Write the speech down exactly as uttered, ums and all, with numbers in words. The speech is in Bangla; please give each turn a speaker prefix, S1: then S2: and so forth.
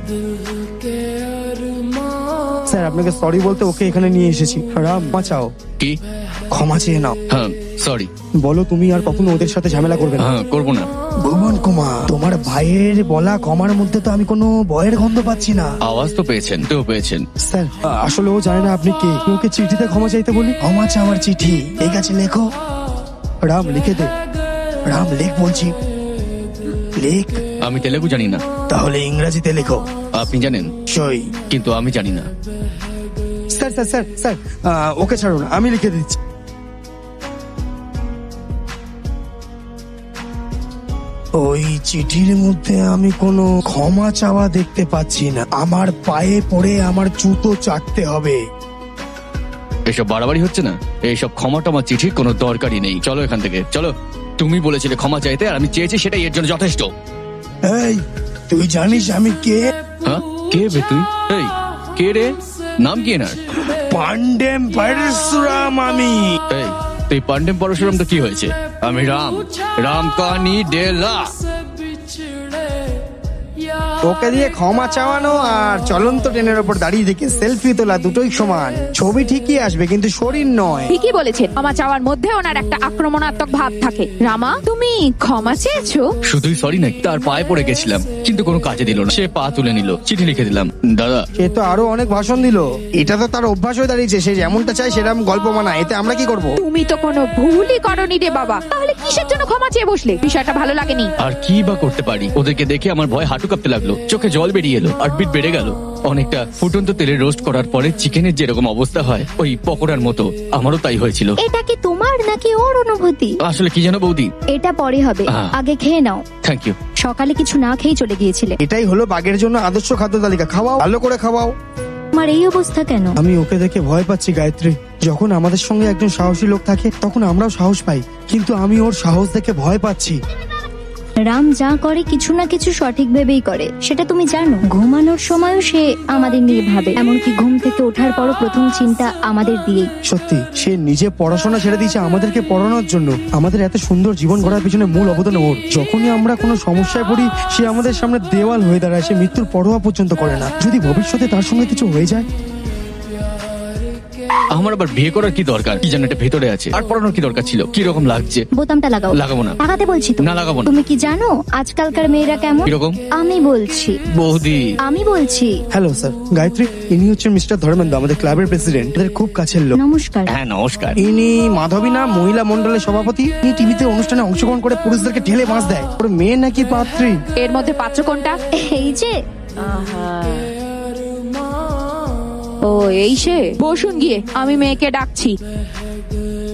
S1: স্যার আপনাকে সরি বলতে ওকে এখানে নিয়ে এসেছি। রাম বাঁচাও,
S2: কি?
S1: ক্ষমা চেয়ে নাও।
S2: হ্যাঁ সরি।
S1: বলো তুমি আর কখনো ওদের সাথে ঝামেলা করবে না।
S2: হ্যাঁ করবো না।
S1: ভুবন কুমার, তোমার ভাইয়ের বলা ক্ষমার মধ্যে তো আমি কোনো ভয়ের গন্ধ পাচ্ছি না।
S2: আওয়াজ তো পেয়েছেন, তো পেয়েছেন।
S1: স্যার আসলে ও জানে না আপনি কে। ওকে চিঠিতে ক্ষমা চাইতে বলি। ক্ষমা চাওয়ার চিঠি, ঠিক আছে লেখো। রাম লিখে দে। রাম লেখ বলছি, লেখ।
S2: আমি তেলেগু জানি না।
S1: তাহলে ইংরেজিতে লেখো।
S2: আপনি জানেন,
S1: সই।
S2: কিন্তু আমি জানি না।
S1: Sir sir sir sir ah, okay ছাড়ুন, আমি লিখে দিচ্ছি। ওই চিঠির মধ্যে আমি কোনো ক্ষমা চাওয়া দেখতে পাচ্ছি না। আমার পায়ে পড়ে আমার জুতো চাটতে হবে।
S2: এসব বাড়াবাড়ি হচ্ছে না? এইসব ক্ষমা টমা চিঠির কোনো দরকারই নেই। চলো এখান থেকে, চলো। তুমি বলেছিলে ক্ষমা চাইতে, আর আমি চেয়েছি, সেটাই এর জন্য যথেষ্ট।
S1: এই তুই জানিস আমি কে?
S2: হ্যাঁ, কে বে তুই? এই কে রে? নাম কি এনার?
S1: পান্ডেম পরশুরাম আমি।
S2: এই তুই পান্ডেম পরশুরাম তো কি হয়েছে? আমি রাম, রাম কাহানি ডেলা।
S1: ওকে দিয়ে ক্ষমা চাওয়ানো আর চলন্ত ট্রেনের ওপর দাঁড়িয়ে থেকে সেলফি তোলা দুটোই সমান। ছবি ঠিকই আসবে কিন্তু শরীর নয়।
S3: ঠিকই বলেছেন, ক্ষমা চাওয়ার মধ্যে ওনার একটা আক্রমণাত্মক ভাব থাকে। রামা, তুমি ক্ষমা চেয়েছো?
S2: শুধুই সরি নাকি? তার পায়ে পড়ে গেছিলাম, কিন্তু কোনো কাজে দিল না। সে পা তুলে নিল, চিঠি লিখে দিলাম। দাদা,
S1: সে তো আরো অনেক ভাষণ দিল। এটা তো তার অভ্যাস হয়ে দাঁড়িয়েছে। সে যেমনটা চায় সেরকম গল্প বানায়। এতে আমরা কি করব?
S3: তুমি তো কোনো ভুলই করনি রে বাবা। তাহলে কিসের জন্য ক্ষমা চেয়ে বসলে? বিষয়টা ভালো লাগেনি।
S2: আর কি বা করতে পারি? ওদেরকে দেখে আমার ভয় হাঁটু কাঁপতে লাগলো, চোখে জল বেরিয়ে এলো, হার্টবিট বেড়ে গেল। অনেকটা ফুটন্ত তেলে রোস্ট করার পরে চিকেনের যেরকম অবস্থা হয়, ওই পকোড়ার মতো আমারও তাই হয়েছিল।
S4: এটা কি তোমার নাকি ওর অনুভূতি?
S2: আসলে কি জানো বৌদি,
S4: এটা পরে হবে,
S2: হ্যাঁ।
S4: আগে খেয়ে নাও।
S2: Thank you.
S4: সকালে কিছু না খেয়ে চলে গিয়েছিলে।
S1: এটাই হলো বাঘের জন্য আদর্শ খাদ্য তালিকা। খাওয়াও, ভালো করে খাওয়াও।
S4: তোমার এই অবস্থা কেন?
S1: আমি ওকে দেখে ভয় পাচ্ছি গায়ত্রী। যখন আমাদের সঙ্গে একজন সাহসী লোক থাকে তখন আমরাও সাহস পাই, কিন্তু আমি ওর সাহস দেখে ভয় পাচ্ছি।
S4: রাম যা করে কিছু না কিছু সঠিক ভেবেই করে, সেটা তুমি জানো। ঘুমানোর সময়ও সে আমাদের নিয়ে ভাবে, এমনকি ঘুম থেকে ওঠার পরও প্রথম চিন্তা আমাদের দিয়েই।
S1: সত্যি, সে নিজে পড়াশোনা ছেড়ে দিয়েছে আমাদেরকে পড়ানোর জন্য। আমাদের এত সুন্দর জীবন গড়ার পিছনে মূল অবদান ওর। যখনই আমরা কোনো সমস্যায় পড়ি সে আমাদের সামনে দেওয়াল হয়ে দাঁড়ায়। সে মৃত্যুর পরোয়া পর্যন্ত করে না। যদি ভবিষ্যতে তার সঙ্গে কিছু হয়ে যায়?
S2: আমার আবার বিয়ে করার কি দরকার? কি জানো এটা ভেতরে আছে। আর পড়ানোর কি দরকার ছিল? কি রকম লাগছে?
S4: বোতামটা লাগাও।
S2: লাগাবো না।
S4: লাগাতে বলছি তো।
S2: না, লাগাবো না।
S4: তুমি কি জানো আজকালকার মেয়েরা কেমন?
S2: কিরকম?
S4: আমি বলছি,
S2: বৌদি।
S4: আমি বলছি।
S1: হ্যালো স্যার, গায়ত্রী, ইনি হচ্ছেন মিস্টার ধর্মেন্দ্র, আমাদের ক্লাবের প্রেসিডেন্ট। এদের খুব কাছের লোক।
S4: নমস্কার।
S2: হ্যাঁ নমস্কার।
S1: ইনি মাধবী নাম, মহিলা মন্ডলের সভাপতি। ইনি টিভিতে অনুষ্ঠানে অংশগ্রহণ করে পুরুষদেরকে ঠেলে বাঁশ দেয়। ওর মেয়ে নাকি পাত্রী।
S3: এর মধ্যে পাত্র কোনটা?
S4: এই যে
S3: ও এই সে। বসুন গিয়ে, আমি মেয়েকে ডাকছি।